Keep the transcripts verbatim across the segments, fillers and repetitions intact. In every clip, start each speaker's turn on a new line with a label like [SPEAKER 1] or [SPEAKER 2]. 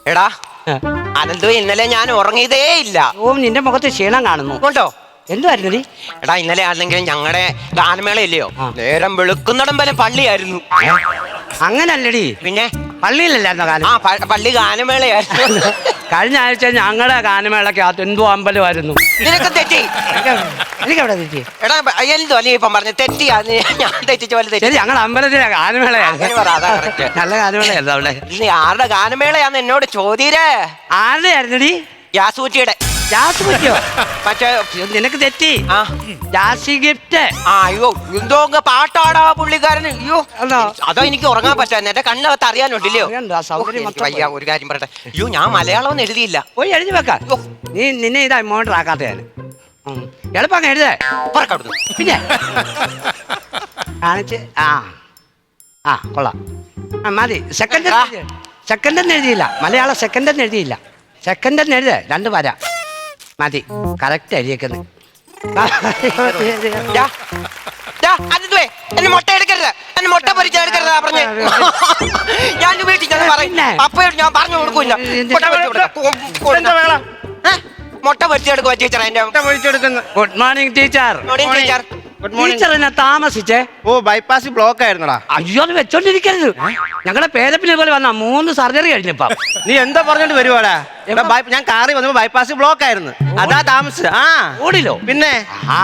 [SPEAKER 1] എടാ അനന്തു, ഇന്നലെ ഞാൻ ഉറങ്ങിയതേ ഇല്ല.
[SPEAKER 2] ഓ, നിന്റെ മുഖത്ത് ക്ഷീണം കാണുന്നു.
[SPEAKER 1] കൊണ്ടോ
[SPEAKER 2] എന്തുവായിരുന്നു നീ?
[SPEAKER 1] എടാ, ഇന്നലെ ആണെങ്കിൽ ഞങ്ങളുടെ ഗാനമേള ഇല്ലയോ, നേരം വെളുക്കുന്നിടം വരെ പള്ളിയായിരുന്നു.
[SPEAKER 2] അങ്ങനല്ലടി,
[SPEAKER 1] പിന്നെ
[SPEAKER 2] പള്ളിയിലല്ലായിരുന്നോ ഗാനം?
[SPEAKER 1] ആ പള്ളി ഗാനമേളയായിരുന്നു.
[SPEAKER 2] കഴിഞ്ഞ ആഴ്ച ഞങ്ങളുടെ ഗാനമേളക്കകത്ത് എന്തോ അമ്പലമായിരുന്നു.
[SPEAKER 1] നിനക്ക് തെറ്റി.
[SPEAKER 2] എനിക്കെവിടെ തെറ്റി?
[SPEAKER 1] എടാ എന്തോ നീ ഇപ്പം പറഞ്ഞു തെറ്റിയാ? ഞാൻ തെറ്റിച്ച പോലെ തെറ്റി.
[SPEAKER 2] ശരി, ഞങ്ങളുടെ അമ്പലത്തിലെ ഗാനമേളയായിരുന്നു. നല്ല ഗാനമേളയായിരുന്നു അവിടെ.
[SPEAKER 1] നീ ആരുടെ ഗാനമേളയാന്ന് എന്നോട് ചോദ്യരേ?
[SPEAKER 2] ആരുടെ ആയിരുന്നടി?
[SPEAKER 1] യാസൂറ്റിയുടെ.
[SPEAKER 2] ജാസ് പറ്റിയോ?
[SPEAKER 1] മറ്റേ
[SPEAKER 2] നിനക്ക് തെറ്റി.
[SPEAKER 1] ആ
[SPEAKER 2] ജാസി ഗിഫ്റ്റ്.
[SPEAKER 1] ആ അയ്യോ, എന്തോ പാട്ടാടാ പുള്ളിക്കാരന്. അയ്യോ, അതോ എനിക്ക് ഉറങ്ങാൻ പറ്റാൻ എന്റെ കണ്ണകത്ത് അറിയാനുണ്ടല്ലോ. വയ്യ, ഒരു കാര്യം പറയട്ടെ. അയ്യോ, ഞാൻ മലയാളം ഒന്നും എഴുതിയില്ല.
[SPEAKER 2] പോയി എഴുതി വെക്ക. നീ നിന്നെ ഇതാ മോട്ടർ ആക്കാത്ത ഞാൻ എളുപ്പം എഴുതേ. പിന്നെ കാണിച്ച് ആ ആ കൊള്ളാം. ആ മതി. സെക്കൻഡ് സെക്കൻഡ് എന്ന് എഴുതിയില്ല, മലയാളം സെക്കൻഡ് എന്ന് എഴുതിയില്ല. സെക്കൻഡ് എന്ന് എഴുതേ, രണ്ട് വര മതി. കറക്റ്റ് എഴുതിയേക്കുന്നത്.
[SPEAKER 1] എന്നെ മുട്ട എടുക്കരുത്, എന്നെ മുട്ട പൊരിച്ചെടുക്കരുത് പറഞ്ഞേ. ഞാൻ വീട്ടിൽ ചെന്ന് പറയും, അപ്പയോട് ഞാൻ പറഞ്ഞു കൊടുക്കൂല. മുട്ട പൊരിച്ചെടുക്കുക ടീച്ചർ. എന്റെ മുട്ട പൊരിച്ചെടുക്കുന്നു.
[SPEAKER 2] Good morning teacher.
[SPEAKER 1] ടീച്ചർ
[SPEAKER 2] ടീച്ചറിനെ താമസിച്ചേ?
[SPEAKER 3] ഓ, ബൈപ്പാസ് ബ്ലോക്ക് ആയിരുന്നടാ.
[SPEAKER 2] അയ്യോ, അത് വെച്ചോണ്ടിരിക്കരുത്. ഞങ്ങളുടെ പേരപ്പിനെ പോലെ വന്ന മൂന്ന് സർജറി കഴിഞ്ഞപ്പ.
[SPEAKER 3] നീ എന്താ പറഞ്ഞോണ്ട് വരുവാടാ? ഞാൻ കാറി വന്നപ്പോ ബൈപ്പാസ് ബ്ലോക്ക് ആയിരുന്നു, അതാ താമസിച്ചത്. ആ
[SPEAKER 2] റോഡിലോ?
[SPEAKER 3] പിന്നെ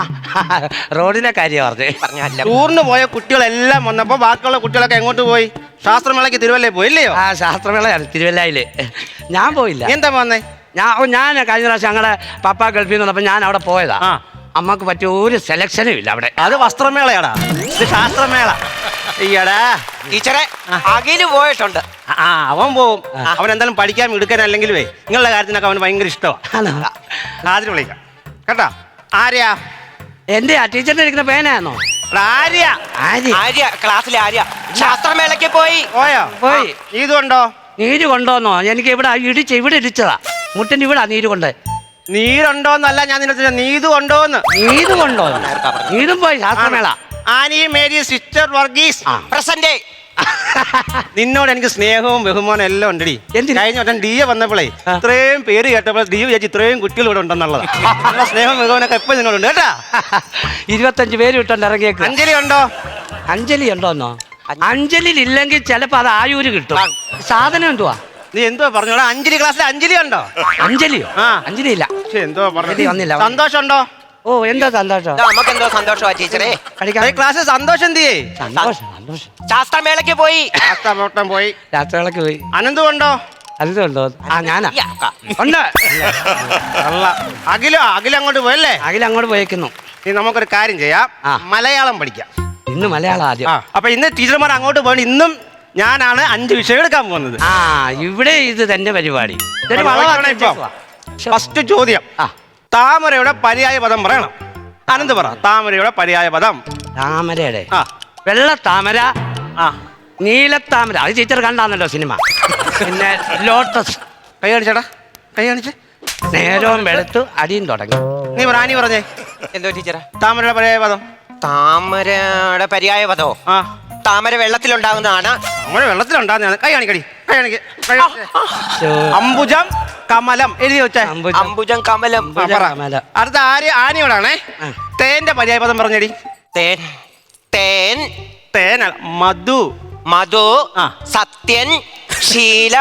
[SPEAKER 2] റോഡിലെ കാര്യം പറഞ്ഞേ.
[SPEAKER 1] പറഞ്ഞല്ല,
[SPEAKER 3] ടൂറിന് പോയ കുട്ടികളെല്ലാം വന്നപ്പോ ബാക്കിയുള്ള കുട്ടികളൊക്കെ എങ്ങോട്ട് പോയി? ശാസ്ത്രമേളയ്ക്ക് തിരുവല്ലയിൽ പോയി ഇല്ലയോ?
[SPEAKER 2] ആ, ശാസ്ത്രമേളയാണ് തിരുവല്ലയില്. ഞാൻ പോയില്ല.
[SPEAKER 3] എന്താ വന്നേ?
[SPEAKER 2] ഞാൻ ഞാൻ കഴിഞ്ഞ പ്രാവശ്യം ഞങ്ങളുടെ പപ്പ ഗൾഫിൽ നിന്ന് വന്നപ്പോ ഞാൻ അവിടെ പോയതാ. അമ്മക്ക് പറ്റിയ ഒരു സെലക്ഷനും ഇല്ല അവിടെ.
[SPEAKER 3] അത് വസ്ത്രമേളയാടാ, ഇത് ശാസ്ത്രമേള. ഈയടാ
[SPEAKER 1] ടീച്ചറെ അഖില് പോയിട്ടുണ്ട്.
[SPEAKER 3] ആ, അവൻ പോവും. അവൻ എന്തായാലും പഠിക്കാൻ എടുക്കാൻ അല്ലെങ്കിൽ നിങ്ങളുടെ കാര്യത്തിനൊക്കെ അവന് ഭയങ്കര ഇഷ്ടമാണ്. ആദ്യം വിളിക്കാം കേട്ടാ. ആര്യാ?
[SPEAKER 2] എന്റെ ആ ടീച്ചറിന്റെ ഇരിക്കുന്ന പേനാന്നോ?
[SPEAKER 3] ആര്യ.
[SPEAKER 1] ആര്യ ക്ലാസ്സിലെ ആര്യ ശാസ്ത്രമേളയ്ക്ക് പോയി.
[SPEAKER 3] പോയോ?
[SPEAKER 2] പോയി.
[SPEAKER 3] ഇതുണ്ടോ?
[SPEAKER 2] നീര് കൊണ്ടോന്നോ? എനിക്ക് ഇവിടെ ഇടിച്ച് ഇവിടെ ഇടിച്ചതാ, മുട്ടിന് ഇവിടെ നീര് കൊണ്ട്.
[SPEAKER 3] നീരുണ്ടോന്നല്ല ഞാൻ നിന്നെ, നീതു ഉണ്ടോന്ന്.
[SPEAKER 2] നീര് കൊണ്ടോ? നീരും പോയി ശാസ്ത്രമേള.
[SPEAKER 3] Annie Mary sister Varghese
[SPEAKER 1] present.
[SPEAKER 3] നിന്നോട് എനിക്ക് സ്നേഹവും ബഹുമാനം എല്ലാം ഉണ്ടടി. കഴിഞ്ഞ വട്ടം ഡി എ വന്നപ്പോഴേ ഇത്രയും പേര് കേട്ടപ്പോൾ ഡി വിചാരിച്ചു ഇത്രയും കുട്ടികൾ ഇവിടെ ഉണ്ടെന്നുള്ളത്. സ്നേഹവും ബഹുമാനൊക്കെ എപ്പോഴും നിന്നോടുണ്ട് കേട്ടാ.
[SPEAKER 2] ഇരുപത്തഞ്ച് പേര് വിട്ടുണ്ട് ഇറങ്ങിയേക്ക്.
[SPEAKER 3] അഞ്ജലി ഉണ്ടോ?
[SPEAKER 2] അഞ്ജലി ഉണ്ടോന്നോ? അഞ്ജലി ഇല്ലെങ്കിൽ ചിലപ്പോ അത് ആയൂര് കിട്ടും. സാധനം എന്തുവാ?
[SPEAKER 3] നീ എന്തോ പറഞ്ഞോടാ? അഞ്ജലി ക്ലാസ്സിൽ അഞ്ജലി ഉണ്ടോ?
[SPEAKER 2] അഞ്ജലിയോ?
[SPEAKER 3] ആ,
[SPEAKER 2] അഞ്ജലി ഇല്ല.
[SPEAKER 3] എന്തോ പറഞ്ഞു
[SPEAKER 2] വന്നില്ല.
[SPEAKER 3] സന്തോഷം ഉണ്ടോ?
[SPEAKER 2] ഓ, എന്താ സന്തോഷം?
[SPEAKER 1] നമുക്ക് എന്തോ സന്തോഷമാ ടീച്ചറെ.
[SPEAKER 3] ക്ലാസ്സിൽ സന്തോഷം എന്തിയേ?
[SPEAKER 2] സന്തോഷം സന്തോഷം.
[SPEAKER 1] ശാസ്ത്രമേളയ്ക്ക് പോയി.
[SPEAKER 3] ശാസ്ത്രമേള പോയി.
[SPEAKER 2] രാത്രികളൊക്കെ പോയി.
[SPEAKER 3] അനന്തു ഉണ്ടോ?
[SPEAKER 2] അനന്തു ഉണ്ടോ? ആ, ഞാനാ ഉണ്ട്.
[SPEAKER 3] അഖിലോ? അഖില അങ്ങോട്ട് പോയല്ലേ?
[SPEAKER 2] അഖിൽ അങ്ങോട്ട് പോയേക്കുന്നു.
[SPEAKER 3] നീ നമുക്കൊരു കാര്യം ചെയ്യാം, മലയാളം പഠിക്കാം.
[SPEAKER 2] ഇന്ന് മലയാളം ആദ്യം.
[SPEAKER 3] അപ്പൊ ഇന്ന് ടീച്ചർമാർ അങ്ങോട്ട് പോകണം. ഇന്നും ഞാനാണ് അഞ്ച് വിഷയം എടുക്കാൻ പോകുന്നത്.
[SPEAKER 2] ആ, ഇവിടെ ഇത് തന്നെ പരിപാടി.
[SPEAKER 3] ഫസ്റ്റ് ചോദ്യം, താമരയുടെ പര്യായ പദം പറയണം. അനന്ത് പറ. താമരയുടെ പര്യായ പദം.
[SPEAKER 2] താമരയുടെ
[SPEAKER 3] ആ
[SPEAKER 2] വെള്ള താമര,
[SPEAKER 3] ആ
[SPEAKER 2] നീലത്താമര. അത് ടീച്ചർ കണ്ടാന്നല്ലോ സിനിമ. പിന്നെ ലോട്ടസ്.
[SPEAKER 3] കൈ കാണിച്ചേടാ, കൈ കാണിച്ച്.
[SPEAKER 2] നേരവും വെളുത്തു അടിയും തുടങ്ങി.
[SPEAKER 3] നീ റാണി പറഞ്ഞേ.
[SPEAKER 1] എന്തോ ടീച്ചറെ?
[SPEAKER 3] താമരയുടെ പര്യായ പദം.
[SPEAKER 1] താമരയുടെ പര്യായ പദോ? ആ, താമര വെള്ളത്തിലുണ്ടാകുന്നതാണ്.
[SPEAKER 3] താമര വെള്ളത്തിലുണ്ടാകുന്നതാണ്. കൈ കാണിക്കടി, കൈ കാണിക്ക. അംബുജം കമലം എഴുതി വെച്ചേ.
[SPEAKER 1] അംബുജം കമലം.
[SPEAKER 3] അടുത്ത ആര്യ ആനയോടാണേ. തേന്റെ പര്യായ പദം പറഞ്ഞടി.
[SPEAKER 1] തേൻ. തേൻ.
[SPEAKER 3] തേൻ. മധു.
[SPEAKER 1] മധു. സത്യൻ. ശീല.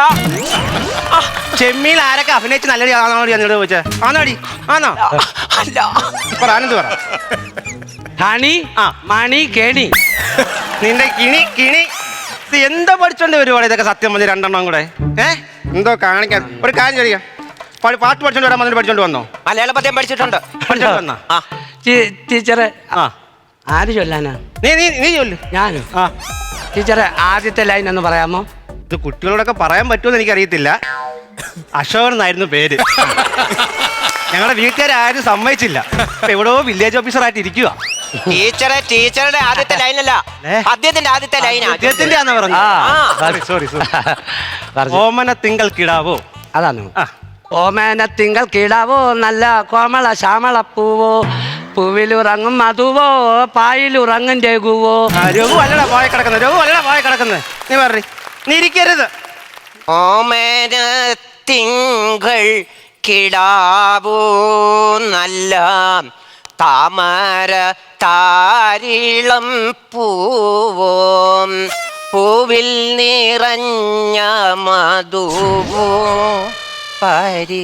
[SPEAKER 3] ചെമ്മീൽ ആരൊക്കെ അഭിനയിച്ച് നല്ലടി ആണോടി എന്നോട് ചോദിച്ചേ? ആണോടി? ആണോ?
[SPEAKER 1] അല്ല.
[SPEAKER 3] പറ ആനന്ദ് പറ.
[SPEAKER 2] ഹണി. ആ, മണി. കേണി.
[SPEAKER 3] നിന്റെ കിണി കിണി. ഇത് എന്താ പഠിച്ചോണ്ട് വരുവാണ് ഇതൊക്കെ? സത്യം പറഞ്ഞ് രണ്ടെണ്ണം കൂടെ ഏ എന്തോ കാണിക്കാൻ. ഒരു കാര്യം ചെയ്യാം, പാട്ട് പഠിച്ചോണ്ട് വരാൻ വന്നിട്ട് പഠിച്ചോണ്ട് വന്നോ?
[SPEAKER 1] മലയാള പദ്യം പഠിച്ചിട്ടുണ്ട്.
[SPEAKER 3] പഠിച്ചോണ്ട് വന്നോ?
[SPEAKER 1] ആ
[SPEAKER 2] ടീച്ചറെ.
[SPEAKER 3] ആ,
[SPEAKER 2] ആര് ചൊല്ലാനാ?
[SPEAKER 3] നീ നീ നീ ചൊല്ലു.
[SPEAKER 2] ഞാനോ?
[SPEAKER 3] ആ,
[SPEAKER 2] ടീച്ചറെ ആദ്യത്തെ ലൈൻ ഒന്ന് പറയാമോ?
[SPEAKER 3] ഇത് കുട്ടികളോടൊക്കെ പറയാൻ പറ്റുമെന്ന് എനിക്കറിയത്തില്ല. അശോകൻ എന്നായിരുന്നു പേര്. ഞങ്ങളുടെ വീട്ടുകാരും സമ്മതിച്ചില്ല. എവിടെയോ വില്ലേജ് ഓഫീസറായിട്ട് ഇരിക്കുക.
[SPEAKER 1] ടീച്ചറെ, ടീച്ചറുടെ ആദ്യത്തെ ലൈനല്ല, പദ്യത്തിന്റെ ആദ്യത്തെ ലൈനാ.
[SPEAKER 3] അദ്ദേഹത്തിന്റെ ആണെന്ന് പറഞ്ഞു. Sorry sorry. ഓമന തിങ്കൾ കിടാവോ?
[SPEAKER 2] അതാണ്. ഓമന തിങ്കൾ കിടാവോ, നല്ല കോമള ശ്യാമള പൂവോ, പൂവിലുറങ്ങും മധുവോ, പായിലുറങ്ങും രഘുവോ.
[SPEAKER 3] രഘു അല്ലടാ പോയ കിടക്കുന്നത്, രഘു അല്ലടാ പോയ കിടക്കുന്നത്. നീ പറ. നീ ഇരിക്കരുത്.
[SPEAKER 1] ഓമന തിങ്കൾ കിടാവൂ നല്ല താമര താരിളം പൂവും പൂവിൽ നിറഞ്ഞ മധുവോ പരി.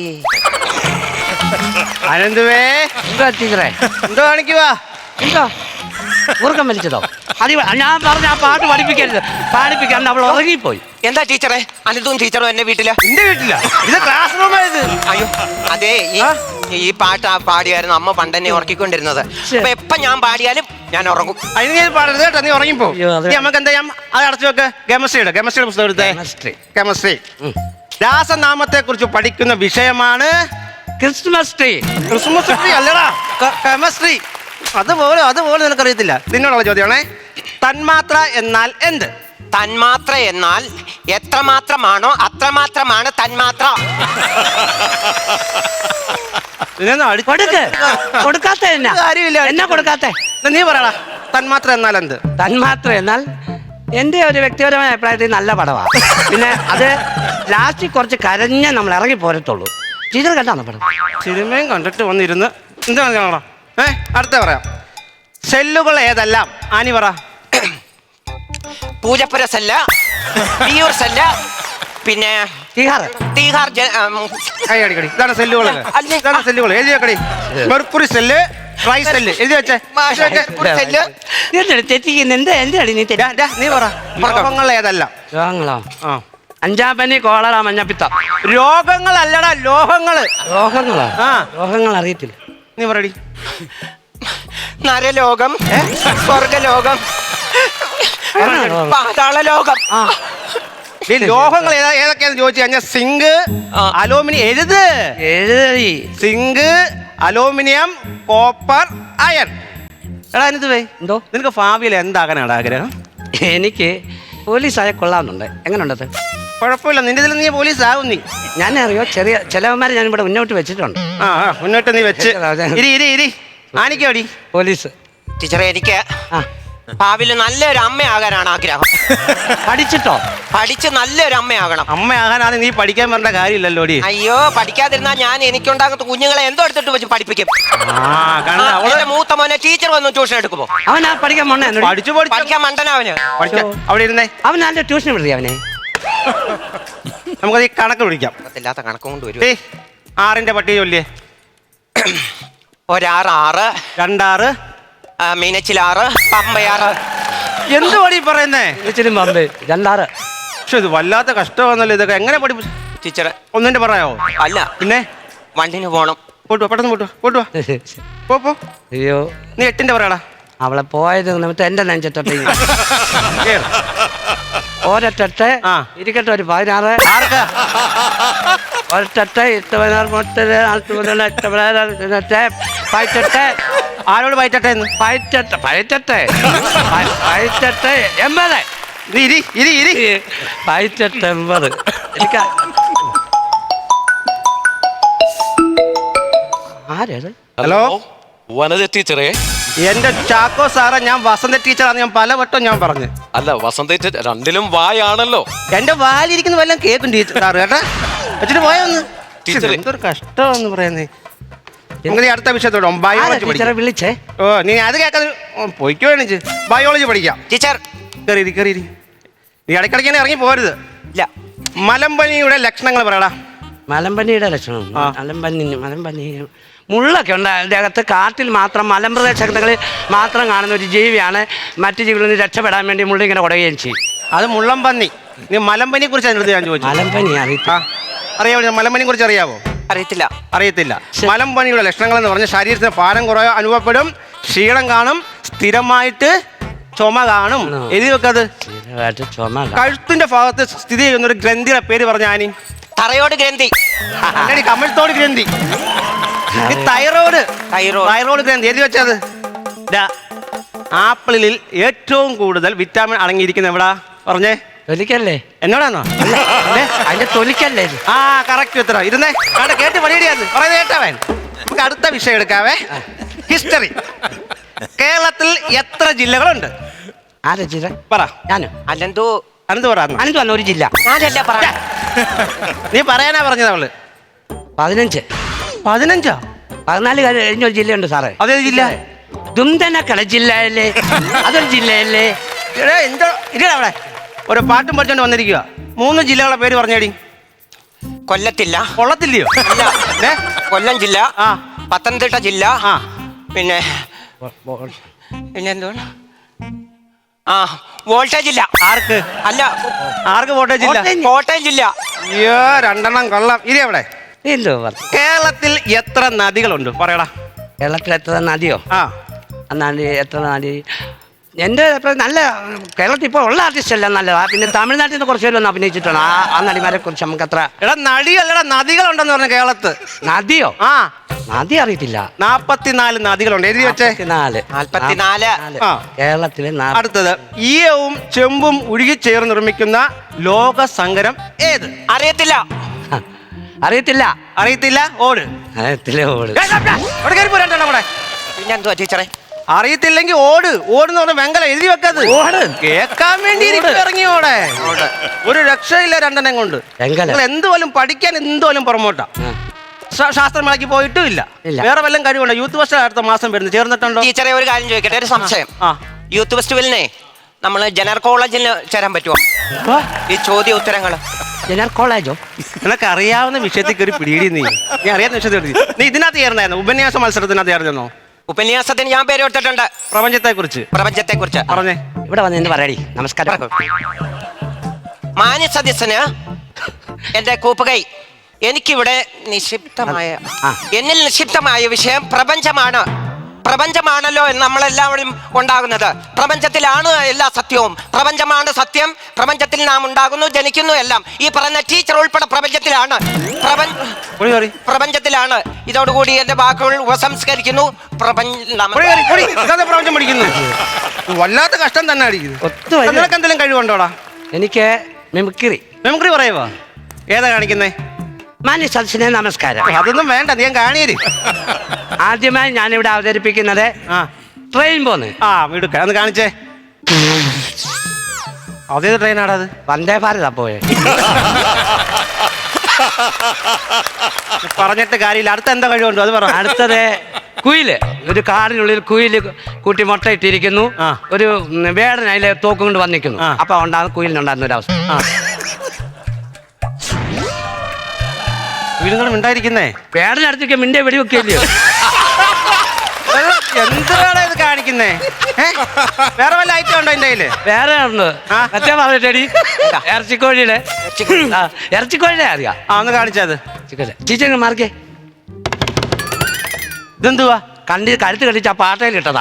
[SPEAKER 3] അനന്തുവേ
[SPEAKER 2] എന്താ ടീച്ചറെ?
[SPEAKER 3] എന്തോ കാണിക്കുവാ?
[SPEAKER 2] എന്താ ഉറക്കം വലിച്ചതോ? അത് ഞാൻ പറഞ്ഞ ആ പാട്ട് പഠിപ്പിക്കരുത്, പാടിപ്പിക്കാൻ അവൾ ഉറങ്ങിപ്പോയി.
[SPEAKER 1] എന്താ ടീച്ചറെ? അനിതും ടീച്ചറും എന്നെ വീട്ടില്?
[SPEAKER 3] എന്റെ വീട്ടില ഇത് ക്ലാസ് റൂമായത്.
[SPEAKER 1] അയ്യോ അതെ, ഈ ഈ പാട്ട് ആ പാടിയായിരുന്നു അമ്മ പണ്ടെന്നെ ഉറക്കിക്കൊണ്ടിരുന്നത്. അപ്പൊ എപ്പൊ ഞാൻ പാടിയാലും ഞാൻ ഉറങ്ങും.
[SPEAKER 3] അതിന് ഞാൻ പാടരുത് കേട്ടോ, നീ ഉറങ്ങിപ്പോ.
[SPEAKER 2] അയ്യോ, അത്
[SPEAKER 3] നീ നമുക്ക് എന്താ ചെയ്യാം, അത് അടച്ചു വെക്ക്. കെമിസ്ട്രിയുടെ കെമിസ്ട്രിയുടെ പുസ്തകം എടുത്തേ.
[SPEAKER 2] Chemistry.
[SPEAKER 3] കെമിസ്ട്രി. രാസനാമത്തെ കുറിച്ച് പഠിക്കുന്ന വിഷയമാണ്
[SPEAKER 2] ക്രിസ്മസ് ട്രീ.
[SPEAKER 3] ക്രിസ്മസ് ട്രീ അല്ലടാ, കെമിസ്ട്രി. അതുപോലെ അതുപോലെ നിനക്കറിയത്തില്ല. നിന്നോടുള്ള ചോദ്യമാണേ. തന്മാത്ര എന്നാൽ എന്ത്?
[SPEAKER 1] തന്മാത്ര എന്നാൽ എത്രമാത്രമാണോ അത്രമാത്രമാണ് തന്മാത്ര.
[SPEAKER 3] നിന്നെ അടി-
[SPEAKER 2] കൊടുക്ക്. കൊടുക്കാത്ത എന്നാ?
[SPEAKER 3] കാര്യമില്ല.
[SPEAKER 2] എന്നാ കൊടുക്കാത്ത?
[SPEAKER 3] എന്നാ നീ പറയടാ, തന്മാത്ര എന്നാൽ എന്ത്?
[SPEAKER 2] തന്മാത്ര എന്നാൽ എൻ്റെ ഒരു വ്യക്തിപരമായ അഭിപ്രായത്തിൽ നല്ല പടമാണ്. പിന്നെ അത് ലാസ്റ്റിൽ കുറച്ച് കരഞ്ഞേ നമ്മൾ ഇറങ്ങി പോരത്തുള്ളൂ. ടീച്ചർ കണ്ടാണ് പടം?
[SPEAKER 3] സിനിമയും കണ്ടിട്ട് വന്നിരുന്ന് എന്താ കാണാ? ഏ അടുത്ത പറയാം. സെല്ലുകൾ ഏതെല്ലാം? ആനി പറ.
[SPEAKER 1] പൂജപ്പുര സെല്ല, വിയൂർ സെല്ല, പിന്നെ
[SPEAKER 2] ടീച്ചർ
[SPEAKER 1] തീഹാർ ജ- ഉം,
[SPEAKER 3] കൈ അടിക്കടി. ഇതാണ് സെല്ലുകൾ.
[SPEAKER 1] അല്ലേ?
[SPEAKER 3] ഇതാണ് സെല്ലുകൾ. എഴുതി വെക്കടി. മെർക്കുറി സെല്ല്, ട്രൈ സെല്ല് എഴുതി വെച്ചേ.
[SPEAKER 1] മാഷ് ഒരു സെല്ല്.
[SPEAKER 2] തെറ്റിക്കുന്ന എന്താ എൻ്റെ അടി? നീ തെറ്റി.
[SPEAKER 3] ഡാ, ഡാ, നീ പറ. രോഗങ്ങൾ ഏതെല്ലാം?
[SPEAKER 2] രോഗങ്ങളോ?
[SPEAKER 3] ആ
[SPEAKER 2] അഞ്ചാം പനി, കോളറ, മഞ്ഞപ്പിത്തം.
[SPEAKER 3] രോഗങ്ങളല്ലടാ, ലോഹങ്ങള്.
[SPEAKER 2] രോഗങ്ങളോ?
[SPEAKER 3] ആ
[SPEAKER 2] രോഗങ്ങൾ അറിയത്തില്ല.
[SPEAKER 3] നീ പറയടി.
[SPEAKER 1] നരലോകം, സ്വർഗലോകം, പാതാളലോകം.
[SPEAKER 2] ആ
[SPEAKER 3] ഈ ലോഹങ്ങൾ ഏതാ ഏതൊക്കെയാന്ന് ചോദിച്ചു കഴിഞ്ഞാൽ സിങ്ക്,
[SPEAKER 1] ആ.
[SPEAKER 3] അലൂമിനിയം. എഴുത്.
[SPEAKER 2] എഴുതി.
[SPEAKER 3] Zinc, aluminium, copper, iron. എടാ എന്ത് വേ
[SPEAKER 2] എന്തോ?
[SPEAKER 3] നിനക്ക് ഭാവിയിൽ എന്താകാനാണ് ആഗ്രഹം?
[SPEAKER 2] എനിക്ക് പോലീസായ കൊള്ളാമെന്നുണ്ട്. എങ്ങനെയുണ്ടത്?
[SPEAKER 3] കുഴപ്പമില്ല, നിന്റെ ഇതിൽ നീ പോലീസ് ആകും. നീ
[SPEAKER 2] ഞാൻ അറിയോ, ചെറിയ ചിലവന്മാരെ ഞാൻ ഇവിടെ മുന്നോട്ട് വെച്ചിട്ടുണ്ട്.
[SPEAKER 3] ആ ആ, മുന്നോട്ട് നീ വെച്ച് ഇരി ഇരി ഇരി ആനിക്കോടി.
[SPEAKER 2] പോലീസ്.
[SPEAKER 1] ടീച്ചറെ, എനിക്ക്
[SPEAKER 2] ആ
[SPEAKER 1] ഭാവിയിൽ നല്ലൊരു അമ്മയാകാനാണ് ആഗ്രഹം.
[SPEAKER 2] പഠിച്ചിട്ടോ?
[SPEAKER 1] പഠിച്ച് നല്ലൊരു അമ്മയാകണം.
[SPEAKER 3] അമ്മയാകാനാണ് നീ പഠിക്കാൻ പറഞ്ഞ കാര്യമില്ലല്ലോടി.
[SPEAKER 1] അയ്യോ, പഠിക്കാതിരുന്നാ ഞാൻ എനിക്കുണ്ടാകുന്ന കുഞ്ഞുങ്ങളെ എന്തോ എടുത്തിട്ട് വെച്ച് പഠിപ്പിക്കും.
[SPEAKER 3] ആ കണ്ട
[SPEAKER 1] ആ,
[SPEAKER 3] അവള്
[SPEAKER 1] എന്റെ മൂത്ത മോനെ ടീച്ചർ വന്ന് ട്യൂഷൻ എടുക്കുമോ?
[SPEAKER 2] അവനാ പഠിക്കാൻ പോണേ?
[SPEAKER 3] പഠിച്ചു പഠിച്ചു
[SPEAKER 1] പഠിക്കാൻ മണ്ടനവന്.
[SPEAKER 3] പഠിക്കാം. അവിടെ ഇരുന്നേ,
[SPEAKER 2] അവൻ നല്ല ട്യൂഷൻ വിടുതി അവനെ.
[SPEAKER 3] നമുക്കത് ഈ കണക്ക് പിടിക്കാം.
[SPEAKER 1] ഇല്ലാത്ത കണക്കും കൊണ്ട് വരും.
[SPEAKER 3] ഏയ് ആറിന്റെ പട്ടിക ചൊല്ലിയേ.
[SPEAKER 1] ഒരാറ് ആറ്,
[SPEAKER 3] രണ്ടാറ്,
[SPEAKER 1] ആ, മീനച്ചിലാറ്, പമ്പയാറ്.
[SPEAKER 3] എന്ത് പടി പറയുന്നേ?
[SPEAKER 2] ഇച്ചിരി പമ്പ്. രണ്ടാറ്.
[SPEAKER 3] പക്ഷെ ഇത് വല്ലാത്ത കഷ്ടമാണല്ലോ. ഇതൊക്കെ എങ്ങനെ പഠി
[SPEAKER 1] ടീച്ചറെ,
[SPEAKER 3] ഒന്നിന്റെ പറയാവോ?
[SPEAKER 1] അല്ല,
[SPEAKER 3] പിന്നെ
[SPEAKER 1] വണ്ടിന് പോണം.
[SPEAKER 3] പോട്ടുവാ, പെട്ടെന്ന് പോട്ടുവാ പോട്ടുവാ പോ പോ.
[SPEAKER 2] അയ്യോ,
[SPEAKER 3] നീ എട്ടിന്റെ പറയടാ.
[SPEAKER 2] അവളെ പോയത് നിമിത്തം എന്റെ നെഞ്ചത്തൊട്ട്
[SPEAKER 3] കേറ്.
[SPEAKER 2] ഒരൊട്ടെ
[SPEAKER 3] ആ.
[SPEAKER 2] ഇരിക്കട്ടെ. ഒരു പതിനാറ്.
[SPEAKER 3] ആർക്കാ?
[SPEAKER 2] ഒരൊട്ടെ എട്ട് പതിനാറ് മുട്ടത് നാൽപ്പത് മുതൽ എട്ട് പതിനാറ് പതിനെട്ട് പതിനെട്ട്.
[SPEAKER 3] ആരോട് പയറ്റട്ടെ എന്ന്?
[SPEAKER 2] പതിനെട്ട് പതിനെട്ട് പതിനെട്ട് എൺപത്.
[SPEAKER 3] നീ ഇരി ഇരി ഇരി.
[SPEAKER 2] പതിനെട്ട് എൺപത്. എനിക്ക് ആരേത്?
[SPEAKER 3] ഹലോ,
[SPEAKER 4] വനജ ടീച്ചറെ.
[SPEAKER 3] എന്റെ ചാക്കോ സാറേ, ഞാൻ വസന്ത ടീച്ചറാണ്. ഞാൻ പലവട്ടം ഞാൻ പറഞ്ഞു.
[SPEAKER 4] അല്ല, വസന്ത ടീച്ചർ രണ്ടിലും വായാണല്ലോ.
[SPEAKER 3] എന്റെ വാലിരിക്കുന്ന വല്ലതും കേൾക്കും ടീച്ചർ സാറ് കേട്ടാ. വെച്ചിട്ട് പോയൊന്ന്.
[SPEAKER 4] ടീച്ചറെ.
[SPEAKER 3] എന്തൊരു കഷ്ടമെന്ന് പറയുന്നേ. നിങ്ങൾ ഈ അടുത്ത വിഷയത്തോടെ ബയോളജി
[SPEAKER 2] ടീച്ചറെ
[SPEAKER 3] പഠിക്കാം.
[SPEAKER 2] വിളിച്ചേ?
[SPEAKER 3] ഓ നീ അത് കേൾക്കാതെ പൊയ്ക്കോ എണിച്ച് ബയോളജി പഠിക്കാം.
[SPEAKER 1] ടീച്ചർ,
[SPEAKER 3] കയറി കയറി. നീ ഇടയ്ക്കിടയ്ക്ക് തന്നെ ഇറങ്ങി പോരുത്.
[SPEAKER 1] ഇല്ല.
[SPEAKER 3] മലമ്പനിയുടെ ലക്ഷണങ്ങൾ പറയടാ.
[SPEAKER 2] മലമ്പനിയുടെ ലക്ഷണം?
[SPEAKER 3] ആ.
[SPEAKER 2] മലമ്പനി മലമ്പനി മുള്ളൊക്കെ ഉണ്ട് അതിൻ്റെ അകത്ത്. കാട്ടിൽ മാത്രം മലമ്പ്രദേശങ്ങളിൽ മാത്രം കാണുന്ന ഒരു ജീവിയാണ്. മറ്റു ജീവികളിൽ നിന്ന് രക്ഷപ്പെടാൻ വേണ്ടി മുള്ള ഇങ്ങനെ കുടയുകയും ചെയ്യും.
[SPEAKER 3] അത് മുള്ളംപന്നി. നീ മലമ്പനിയെ കുറിച്ച് അതിനടുത്ത് ഞാൻ ചോദിച്ചു.
[SPEAKER 2] മലമ്പനി അറിയില്ല.
[SPEAKER 3] ആ അറിയാമോ? മലമ്പനിയെ കുറിച്ച് അറിയാവോ?
[SPEAKER 1] അറിയത്തില്ല.
[SPEAKER 3] അറിയത്തില്ല. മലമ്പനിയുടെ ലക്ഷണങ്ങൾ എന്ന് പറഞ്ഞാൽ ശരീരത്തിന് ഭാരം കുറവ് അനുഭവപ്പെടും, ക്ഷീണം കാണും, സ്ഥിരമായിട്ട് ചുമ കാണും. എഴുതി വെക്കത്.
[SPEAKER 2] സ്ഥിരമായിട്ട് ചുമ കാണും.
[SPEAKER 3] കഴുത്തിന്റെ ഭാഗത്ത് സ്ഥിതി ചെയ്യുന്ന ഒരു ഗ്രന്ഥിയുടെ പേര് പറഞ്ഞ ആനി.
[SPEAKER 1] തറയോട് ഗ്രന്ഥി.
[SPEAKER 3] കമഴ്ത്തോട് ഗ്രന്ഥി. ഈ തൈറോയ്ഡ്
[SPEAKER 1] തൈറോയ്ഡ്.
[SPEAKER 3] തൈറോയ്ഡ് ഗ്രന്ഥി എഴുതി വെച്ചത്. ദാ, ആപ്പിളിൽ ഏറ്റവും കൂടുതൽ വിറ്റാമിൻ അടങ്ങിയിരിക്കുന്ന എവിടാ പറഞ്ഞേ?
[SPEAKER 2] തൊലിക്കല്ലേ?
[SPEAKER 3] എന്നോടാണോ?
[SPEAKER 2] അതിന്റെ തൊലിക്കല്ലേ ഇത്?
[SPEAKER 3] ആ കറക്റ്റ് ഉത്തരം. ഇരുന്നേ കണ്ട കേട്ട് പണിയിടിയത് പറയുന്നത് കേട്ടവൻ. നമുക്ക് അടുത്ത വിഷയം എടുക്കാവേ. ഹിസ്റ്ററി. കേരളത്തിൽ എത്ര ജില്ലകളുണ്ട്?
[SPEAKER 2] ആരാ ചെയ്ത?
[SPEAKER 3] പറ.
[SPEAKER 2] ഞാനോ?
[SPEAKER 1] അല്ലെന്തോ
[SPEAKER 3] അനന്ത് പറ
[SPEAKER 2] അനന്ത് വന്ന ഒരു ജില്ല.
[SPEAKER 1] ഞാനല്ല പറയാ.
[SPEAKER 3] നീ പറയാനാ പറഞ്ഞത് അവള്.
[SPEAKER 2] പതിനഞ്ച്.
[SPEAKER 3] പതിനഞ്ചാ?
[SPEAKER 2] പതിനാല് കഴിഞ്ഞ ഒരു ജില്ലയുണ്ട് സാറേ.
[SPEAKER 3] അതേ ജില്ല?
[SPEAKER 2] ദുംതനക്കട ജില്ലയല്ലേ? അതൊരു ജില്ലയല്ലേ?
[SPEAKER 3] എന്താ ഇല്ല അവിടെ ഒരു പാട്ടും പഠിച്ചോണ്ട് വന്നിരിക്കുക. മൂന്ന് ജില്ലകളുടെ പേര് പറഞ്ഞേടി.
[SPEAKER 1] കൊല്ലത്തില്ല.
[SPEAKER 3] കൊള്ളത്തില്ലയോ?
[SPEAKER 1] അല്ല, കൊല്ലം ജില്ല,
[SPEAKER 3] ആ
[SPEAKER 1] പത്തനംതിട്ട ജില്ല,
[SPEAKER 3] ആ
[SPEAKER 1] പിന്നെ പിന്നെ എന്തുവാണ്, ആ വോൾട്ടേജ് ഇല്ല.
[SPEAKER 3] ആർക്ക്?
[SPEAKER 1] അല്ല,
[SPEAKER 3] ആർക്ക് വോൾട്ടേജ് ഇല്ല?
[SPEAKER 1] കോട്ടയം ജില്ല.
[SPEAKER 3] അയ്യോ രണ്ടെണ്ണം കൊള്ളാം. ഇനി എവിടെ?
[SPEAKER 2] എന്തോ
[SPEAKER 3] കേരളത്തിൽ എത്ര നദികളുണ്ട് പറയടാ.
[SPEAKER 2] കേരളത്തിൽ എത്ര നദിയോ?
[SPEAKER 3] ആ
[SPEAKER 2] നദി എത്ര നദി? എൻ്റെ നല്ല കേരളത്തിൽ ഇപ്പോൾ ഉള്ള ആർട്ടിസ്റ്റ് എല്ലാം നല്ലതാ. പിന്നെ തമിഴ്നാട്ടിൽ നിന്ന് കുറച്ച് പേരൊന്നും അഭിനയിച്ചിട്ടുണ്ട്. ആ ആ നടിമാരെ കുറിച്ച് നമുക്ക് അത്ര.
[SPEAKER 3] എടാ നടിയല്ലടാ നദികളുണ്ടെന്ന് പറഞ്ഞു കേരളത്ത്.
[SPEAKER 2] നദിയോ?
[SPEAKER 3] ആ
[SPEAKER 2] നദി അറിയത്തില്ല.
[SPEAKER 3] നാപ്പത്തിനാല് നദികളുണ്ട്. എഴുതി വെച്ചേ.
[SPEAKER 2] നാല്
[SPEAKER 1] നാൽപ്പത്തിനാല്.
[SPEAKER 3] ആ
[SPEAKER 2] കേരളത്തിലെ.
[SPEAKER 3] അടുത്തത് ഈയവും ചെമ്പും ഉരുകിച്ചേർന്ന് നിർമ്മിക്കുന്ന ലോക സങ്കരം ഏത്?
[SPEAKER 1] അറിയത്തില്ല.
[SPEAKER 2] അറിയത്തില്ല.
[SPEAKER 3] അറിയത്തില്ല? ഓട്.
[SPEAKER 2] അറിയത്തില്ല. ഓട്.
[SPEAKER 1] പിന്നെ എന്തുവാ ടീച്ചറെ?
[SPEAKER 3] അറിയത്തില്ലെങ്കിൽ ഓട്. ഓടുന്ന് പറഞ്ഞ വെങ്കല എഴുതി വെക്കത്.
[SPEAKER 2] ഓട്
[SPEAKER 3] കേൾക്കാൻ വേണ്ടി ഇറങ്ങി ഓടെ. ഒരു രക്ഷയില്ല രണ്ടെണ്ണം കൊണ്ട്. നിങ്ങൾ എന്തുപോലും പഠിക്കാൻ എന്തുപോലും പുറമോട്ടാ. ശാസ്ത്രമേളയ്ക്ക് പോയിട്ടും ഇല്ല. വേറെ വല്ലതും കഴിവുണ്ടോ? യൂത്ത് ഫെസ്റ്റ് അടുത്ത മാസം വരുന്നു. ചേർന്നിട്ടുണ്ടോ?
[SPEAKER 1] ടീച്ചറെ ഒരു കാര്യം ചോദിക്കട്ടെ, ഒരു സംശയം.
[SPEAKER 3] ആ
[SPEAKER 1] യൂത്ത് ഫെസ്റ്റിവലിനെ നമ്മൾ ജനറൽ കോളേജിൽ ചേരാൻ പറ്റുമോ? ഈ ചോദ്യ ഉത്തരങ്ങള്
[SPEAKER 2] ജനറൽ കോളേജോ?
[SPEAKER 3] നിനക്ക് അറിയാവുന്ന വിഷയത്തിൽ കയറി പിടിയിടി. നീ നീ അറിയാവുന്ന വിഷയത്തിൽ നീ ഇതിനകത്ത് ചേർന്നായിരുന്നു. ഉപന്യാസ മത്സരത്തിനകത്ത് ചേർന്നോ?
[SPEAKER 1] ഉപന്യാസത്തിന് ഞാൻ പേര് കൊടുത്തിട്ടുണ്ട്.
[SPEAKER 3] പ്രപഞ്ചത്തെ കുറിച്ച്.
[SPEAKER 1] പ്രപഞ്ചത്തെ കുറിച്ച്
[SPEAKER 3] പറഞ്ഞേ.
[SPEAKER 2] ഇവിടെ വന്ന് എന്ന് പറയടി. നമസ്കാരം.
[SPEAKER 1] മാന്യ സദസ്യന് എന്റെ കൂപ്പുകൈ. എനിക്കിവിടെ നിക്ഷിപ്തമായ എന്നിൽ നിക്ഷിപ്തമായ വിഷയം പ്രപഞ്ചമാണ്. പ്രപഞ്ചമാണല്ലോ എന്ന് നമ്മളെല്ലാവരും ഉണ്ടാകുന്നത്. പ്രപഞ്ചത്തിലാണ് എല്ലാ സത്യവും. പ്രപഞ്ചമാണ് സത്യം. പ്രപഞ്ചത്തിൽ നാം ഉണ്ടാകുന്നു, ജനിക്കുന്നു, എല്ലാം. ഈ പറഞ്ഞ ടീച്ചർ ഉൾപ്പെടെ പ്രപഞ്ചത്തിലാണ്. പ്രപഞ്ചത്തിലാണ്. ഇതോടുകൂടി എന്റെ വാക്കുകൾ ഉപസംസ്കരിക്കുന്നു.
[SPEAKER 3] പ്രപഞ്ചം പഠിക്കുന്നു. വല്ലാത്ത കഷ്ടം തന്നെ അടിക്കുന്നു. നിനക്ക് എന്തെങ്കിലും കഴിവുണ്ടോടാ?
[SPEAKER 2] എനിക്ക് മിമിക്രി.
[SPEAKER 3] മിമിക്രി പറയുവോ? ഏതാ കാണിക്കുന്നേ?
[SPEAKER 2] മാന്യ സദസ്സിനെ നമസ്കാരം.
[SPEAKER 3] അതൊന്നും വേണ്ട, നീ കാണിയര്.
[SPEAKER 2] ആദ്യമായി ഞാനിവിടെ അവതരിപ്പിക്കുന്നത് ട്രെയിൻ പോന്ന്.
[SPEAKER 3] ആ വീട് ഒന്ന് കാണിച്ചേ. അതേത് ട്രെയിനാടാ അത്?
[SPEAKER 2] വന്ദേ ഭാരതാ പോയെ.
[SPEAKER 3] പറഞ്ഞിട്ട് കാര്യമില്ല. അടുത്ത എന്താ കഴിവുണ്ടോ അത് പറ.
[SPEAKER 2] അടുത്തത് കുയില്. ഒരു കാടിനുള്ളിൽ കുയില് കൂട്ടി മുട്ട ഇട്ടിരിക്കുന്നു. ഒരു വേടൻ അതിലെ തോക്കും കൊണ്ട് വന്നിരിക്കുന്നു. അപ്പൊ ഉണ്ടാകുന്ന കുയിലിനുണ്ടാകുന്ന ഒരു അവസ്ഥ.
[SPEAKER 3] വീടുകളും ഉണ്ടായിരിക്കുന്നേ.
[SPEAKER 2] വേടനടുത്തേക്ക് മിണ്ടേ വെടിവെക്കില്ലയോ?
[SPEAKER 3] എന്താണ് ഇത് കാണിക്കുന്നേ? വേറെ വല്ല ഐറ്റം ഉണ്ടോ എന്റെ കയ്യില്?
[SPEAKER 2] വേറെ ഉണ്ട്. മറ്റേ പറഞ്ഞിട്ടടി ഇറച്ചിക്കോഴിയുടെ. ഇറച്ചിക്കോഴിയുടെ അറിയാം. ആ
[SPEAKER 3] ഒന്ന് കാണിച്ചത്.
[SPEAKER 2] ടീച്ചർ മാർക്കേ.
[SPEAKER 3] ഇതെന്തുവാ?
[SPEAKER 2] കണ്ടി കഴുത്ത് കടിച്ച് ആ പാട്ടയിൽ ഇട്ടതാ.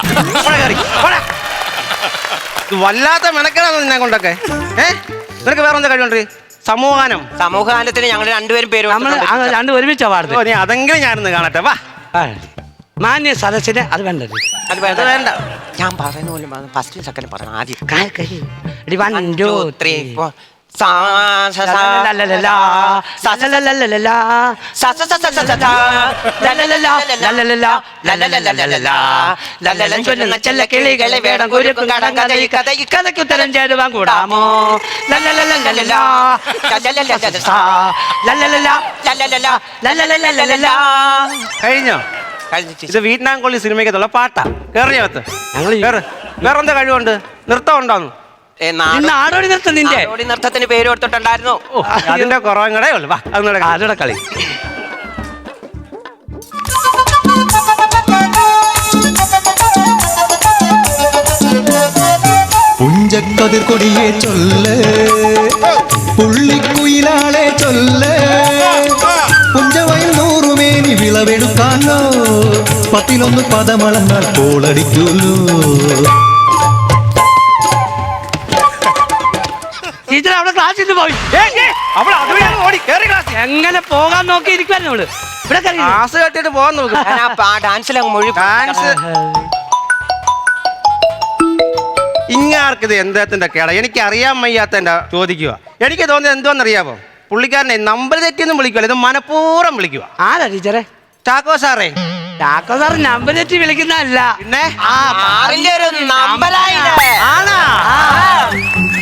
[SPEAKER 3] വല്ലാത്ത മെനക്കെടാന്ന് നിന്നെ കൊണ്ടൊക്കെ. ഏഹ് നിനക്ക് വേറെ എന്താ കഴിവുണ്ട്? സമൂഹാനം.
[SPEAKER 1] സമൂഹാനത്തിന് ഞങ്ങൾ രണ്ടുപേരും പേര്
[SPEAKER 2] രണ്ടു ഒരുമിച്ചാ പാടുന്നത്.
[SPEAKER 3] നീ അതെങ്കിലും ഞാനൊന്ന് കാണട്ടെ. വാ.
[SPEAKER 2] മാന്യ സദസ്സിന് അത് വേണ്ടത്.
[SPEAKER 1] അത് വേണ്ട വേണ്ട. ഞാൻ പറയുന്ന പോലെ ഫസ്റ്റ് സെക്കൻഡ് പറയണം. ആദ്യം
[SPEAKER 2] വൺ ടു ത്രീ ഫോർ. കിളികളെ വേണം കുരുക്കും കടം കഥയ്ക്ക് ഉത്തരം ചേരുവാൻ കൂടാമോ?
[SPEAKER 3] കഴിഞ്ഞോ? ഇത് വിയറ്റ്നാം കൊള്ളി സിനിമയ്ക്കത്തുള്ള പാട്ടാ. കേറിയകത്ത് ഞങ്ങൾ വേറെ എന്താ കഴിവുണ്ട്? നൃത്തം ഉണ്ടോന്ന്?
[SPEAKER 2] നാടോടി നൃത്തം. നിന്റെ
[SPEAKER 1] നൃത്തത്തിന് പേര് കൊടുത്തിട്ടുണ്ടായിരുന്നു.
[SPEAKER 3] അതിന്റെ കുറവും കൂടെ ഉള്ളു.
[SPEAKER 2] ആരുടെ കളി?
[SPEAKER 5] പുഞ്ചക്കതിർ കൊടിയെ ചൊല്ല്, പുള്ളിക്കുയിലാളെ ചൊല്ല്, പുഞ്ചവയിൽ നൂറുമേനി വിളവെടുക്കാനോ, പത്തിലൊന്ന് പദമളന്നാൽ കോളടിക്കൂലോ.
[SPEAKER 2] ടീച്ചർ അവിടെ ക്ലാസ്സിൽ പോയി. എങ്ങനെ പോകാൻ നോക്കി ഇരിക്കുവായിരുന്നു അവള്. ഇവിടെ
[SPEAKER 3] ക്ലാസ് കേട്ടിട്ട് പോകാൻ നോക്കും. ഡാൻസ് ഇങ്ങാർക്കിത് എന്തത്തിന്റെ കേട? എനിക്ക് അറിയാൻ വയ്യാത്ത എന്റെ ചോദിക്കുക. എനിക്ക് തോന്നിയത് എന്തോന്നറിയാമോ? പുള്ളിക്കാരനെ നമ്പർ തെറ്റിയൊന്നും വിളിക്കുവല്ല, ഇത് മനഃപൂർവ്വം വിളിക്കുക.
[SPEAKER 2] ആരാ ടീച്ചറെ?
[SPEAKER 3] ചാക്കോ സാറേ.
[SPEAKER 2] ചാക്കോ സാർ നമ്പർ തെറ്റി വിളിക്കുന്നതല്ല.
[SPEAKER 3] പിന്നെ
[SPEAKER 1] നമ്പറായി.